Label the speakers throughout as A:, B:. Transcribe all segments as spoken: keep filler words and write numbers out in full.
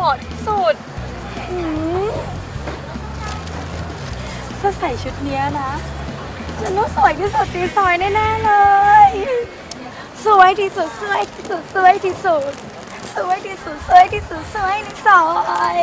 A: มาะที่สุดถ้าใส่ชุดเนี้ยนะฉันต้องสวยที่สุดในซอยแน่ๆเลยสวยที่สุดสวยที่สุดสวยที่สุดสวยที่สุดสวยที่สุดสวยในซอย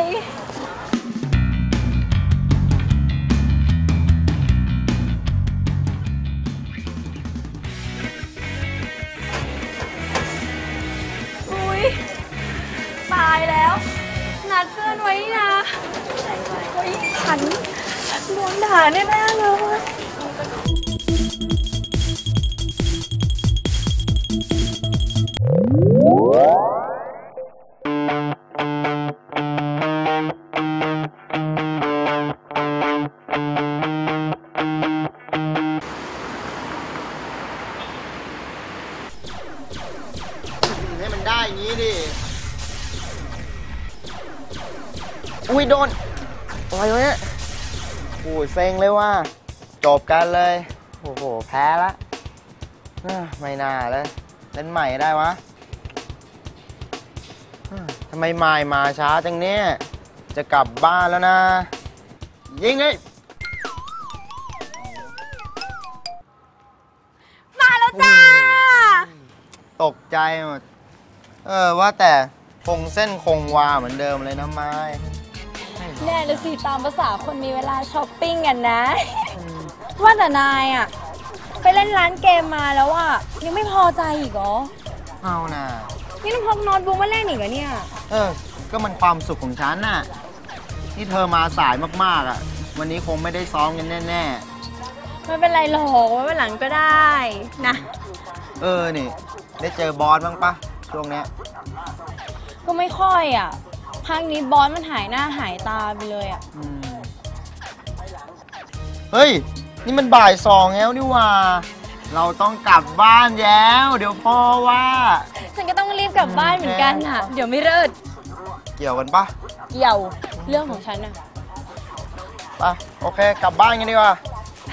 A: อุ้ยตายแล้วนัดเพื่อนไว้นะเฮ้ยฉันโดนด่าแน่ๆเลย
B: ให้มันได้อย่างนี้ดิอุ้ยโดนอะไรวะเนี่ยโอ้ยเซ็งเลยว่าจบกันเลยโอ้โหแพ้ละไม่น่าเลยเล่นใหม่ได้วะทำไมไม่มาช้าจังเนี่ยจะกลับบ้านแล้วนะยิงเลย
A: มาแล้วจ้า
B: ตกใจหมดเออว่าแต่คงเส้นคงวาเหมือนเดิมเลยนะไม้
A: แน่เลยสิตามภาษาคนมีเวลาช้อปปิ้งกันนะว่าแต่นายอ่ะไปเล่นร้านเกมมาแล้วอ่ะยังไม่พอใจอีกเหรอ
B: เอาน่ะ
A: นี่ต้องพกโน้ตบุ๊กมาเล่นอีกเหรอเนี่ย
B: เออก็มันความสุขของฉันน่ะนี่เธอมาสายมากๆอ่ะวันนี้คงไม่ได้ซ้อมกันแน่
A: ๆไม่เป็นไรหรอกไว้วันหลังก็ได้นะ
B: เออนี่ได้เจอบอสบ้างปะช่วงเนี้ย
A: ก็ไม่ค่อยอ่ะพักนี้บอสมันหายหน้าหายตาไปเลยอ่ะ
B: เฮ้ยนี่มันบ่ายสองแล้วนี่ว่าเราต้องกลับบ้านแล้วเดี๋ยวพ่อว่า
A: ฉันก็ต้องรีบกลับบ้านเหมือนกันอ่ะเดี๋ยวไม่เลิศ
B: เกี่ยวกันปะ
A: เกี่ยวเรื่องของฉันอ่ะ
B: ไปโอเคกลับบ้านกันดีกว่า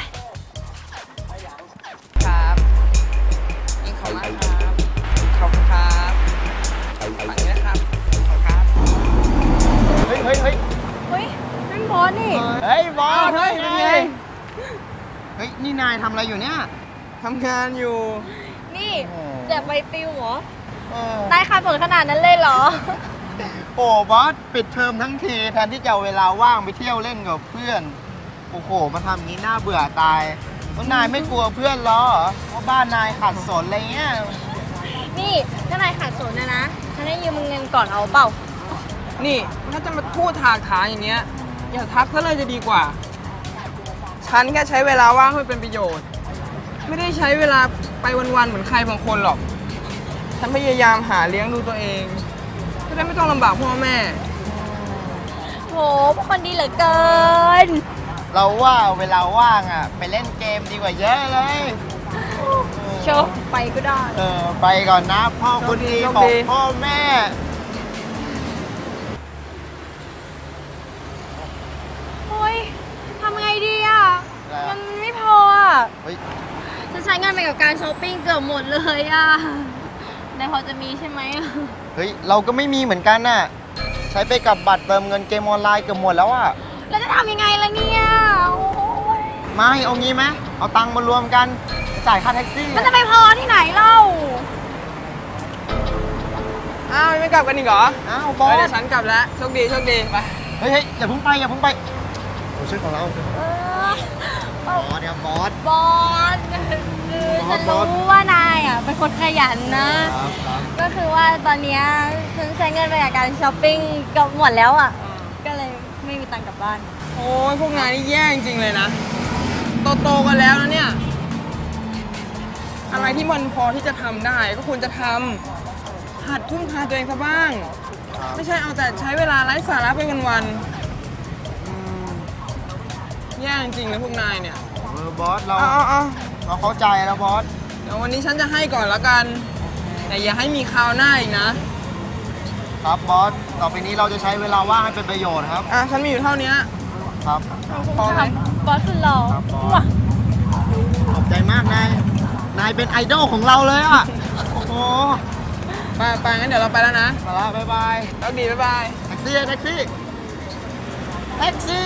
C: ครับยิงเขามาครับขอบคุณครับฝั่งนี้นะครับขอบคุณครับ
B: เฮ้ยเฮ้ยเฮ้ย
A: เฮ้ยนั่นบอสนี่
B: เฮ้ยบอส
C: เฮ้ยเป็นไง
B: เฮ้ยนี่นายทำอะไรอยู่เนี่ย
C: ทำงานอยู่
A: นี่แจกใบปลิวเหรอได้ค่าผลขนาดนั้นเลยเหรอ
B: โอ้บอสปิดเทอมทั้งทีแทนที่จะเอาเวลาว่างไปเที่ยวเล่นกับเพื่อนโอ้โหมาทำงี้น่าเบื่อตายแล้วนายไม่กลัวเพื่อนล้อเหรอว่าบ้านนายขาดสนอะไรเงี้ย
A: นี่ถ้านายขาดสนนะนะฉันให้ยืมเงินก่อนเอาเปล่า
C: นี่ถ้าจะมาพูดถากถางอย่างเนี้ยอย่าทักซะเลยจะดีกว่าฉันแค่ใช้เวลาว่างให้เป็นประโยชน์ไม่ได้ใช้เวลาไปวันๆเหมือนใครบางคนหรอกฉันพยายามหาเลี้ยงดูตัวเองจะได้ไม่ต้องลำบากพ่อแม่
A: โหพวกคนดีเหลือเกิน
B: เราว่าเวลาว่างอ่ะไปเล่นเกมดีกว่าเยอะเลย
A: โชว์ไปก็ได้
B: เออไปก่อนนะพ่อคนดีของพ่อแม่
A: โอ้ยทำไงดีอ่ะมันไม่พออ่ะจะใช้เงินไปกับการช้อปปิ้งเกือบหมดเลยอ่ะนายพอจะมีใช่ไหม
B: เฮ้ยเราก็ไม่มีเหมือนกันน่ะใช้ไปกับบัตรเติมเงินเกมออนไลน์เกือบหมดแล้วอ่ะ
A: แล้วจะทำยังไงล่ะเนี่ย
B: ไม่เอางี้ไหมเอาตังค์มารวมกันจ่ายค่าแท็กซี่
A: มันจะไปพอที่ไหนเล่า
C: อ้าวไม่กลับกันอีกเหรอ
B: อ้าวบอส
C: เดี๋ยวฉันกลับแล้วโชคดีโชคดีไป
B: เฮ้ยอย่าเพิ่งไปอย่าเพิ่งไปโอ้ชื่อของเราบอสเนี่ยบอส
A: บอสฉันรู้ว่านายอ่ะเป็นคนขยันนะก็คือว่าตอนนี้ฉันใช้เงินไปกับการช้อปปิ้งก็หมดแล้วอ่ะก็เลยไม่มีตังค์กลับบ้าน
C: โอ้ยพวกนายนี่แย่จริงเลยนะโตๆกันแล้วนะเนี่ยอะไรที่มันพอที่จะทำได้ก็ควรจะทำหัดทุ่มเทตัวเองซะบ้างไม่ใช่เอาแต่ใช้เวลาไร้สาระไปวันๆแย่จริงเลยพวกนายเนี่ย
B: เออบอสเรา
C: เรา
B: เข้าใจแล้วบอส
C: เดี๋ยววันนี้ฉันจะให้ก่อนแล้วกันแต่อย่าให้มีคราวหน้าอีกนะครับ
B: บอสต่อไปนี้เราจะใช้เวลาว่างให้เป็นประโยชน์ครับ
C: อ่ะฉันมีอยู่เท่านี้
B: ครับ
C: พอไหม
A: บอสสุดหล่อ
B: ขอบใจมากนายนายเป็นไอดอลของเราเลยอ่ะโอ้โห
C: ไปไปงั้นเดี๋ยวเราไปแล้วนะ
B: ไปละบ๊ายบาย
C: แล้วดีบ๊ายบาย
B: แท็กซี่ซี่แท็กซี่แท็กซี่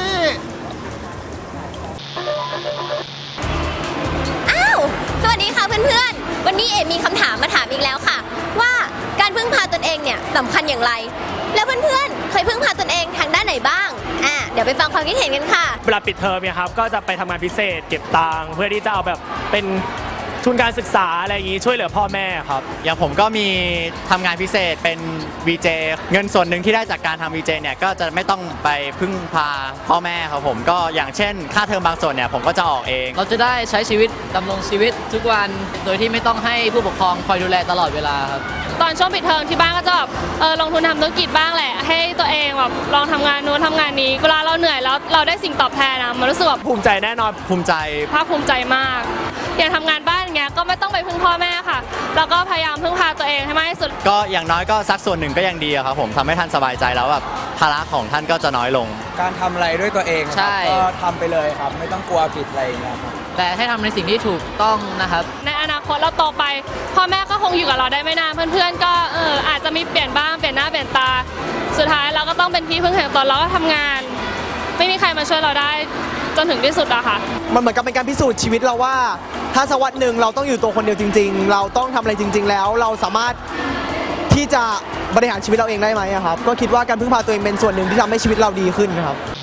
D: อ้าวสวัสดีค่ะเพื่อนๆวันนี้เอ๋มีคำถามมาถามอีกแล้วค่ะ ว่าการพึ่งพาตนเองเนี่ยสำคัญอย่างไร แล้วเพื่อนๆเคยพึ่งพาตนเองทางด้านไหนบ้างอ่ะเดี๋ยวไปฟังความคิดเห็นกันค่ะ
E: เวลาปิดเทอมเนี่ยครับก็จะไปทำงานพิเศษเก็บตังค์เพื่อที่จะเอาแบบเป็นทุนการศึกษาอะไรอย่างนี้ช่วยเหลือพ่อแม่ครับ
F: อย่างผมก็มีทำงานพิเศษเป็น วี เจ เงินส่วนหนึ่งที่ได้จากการทำ วี เจ เนี่ยก็จะไม่ต้องไปพึ่งพาพ่อแม่ครับผมก็อย่างเช่นค่าเทอมบางส่วนเนี่ยผมก็จะออกเอง
G: เราจะได้ใช้ชีวิตดำรงชีวิตทุกวันโดยที่ไม่ต้องให้ผู้ปกครองคอยดูแลตลอดเวลาครับ
H: ตอนช่วงปิดเทอมที่บ้านก็จะแบบเออลงทุนทำธุรกิจบ้างแหละให้ตัวเองแบบลองทำงานนู้นทำงานนี้เวลาเราเหนื่อยแล้วเราได้สิ่งตอบแทนนะมันรู้สึกแบบ
E: ภูมิใจแน่นอน
F: ภูมิใจ
H: ภาคภูมิใจมากอย่างทำงานบ้านอย่างเงี้ยก็ไม่ต้องไปพึ่งพ่อแม่ค่ะแล้วก็พยายามพึ่งพาตัวเองให้มากที่สุด
F: ก็อย่างน้อยก็สักส่วนหนึ่งก็ยังดีครับผมทำให้ท่านสบายใจแล้วแบบภาระของท่านก็จะน้อยลง
C: การทำอะไรด้วยตัวเองครับก็ทำไปเลยครับไม่ต้องกลัวผิดอะไรอย่างเงี้ยครับ
G: แต่ให้ทำในสิ่งที่ถูกต้องนะครับ
H: ในอนาคตเราโตไปพ่อแม่ก็คงอยู่กับเราได้ไม่นานเพื่อนๆก็เอออาจจะมีเปลี่ยนบ้างเปลี่ยนหน้าเปลี่ยนตาสุดท้ายเราก็ต้องเป็นที่พึ่งแห่งตนเราก็ทำงานไม่มีใครมาช่วยเราได้จนถึงที่สุดอะค่ะ
I: มันเหมือนกับเป็นการพิสูจน์ชีวิตเราว่าถ้าสักวันหนึ่งเราต้องอยู่ตัวคนเดียวจริงๆเราต้องทำอะไรจริงๆแล้วเราสามารถที่จะบริหารชีวิตเราเองได้ไหมครับก็คิดว่าการพึ่งพาตัวเองเป็นส่วนหนึ่งที่ทำให้ชีวิตเราดีขึ้นครับ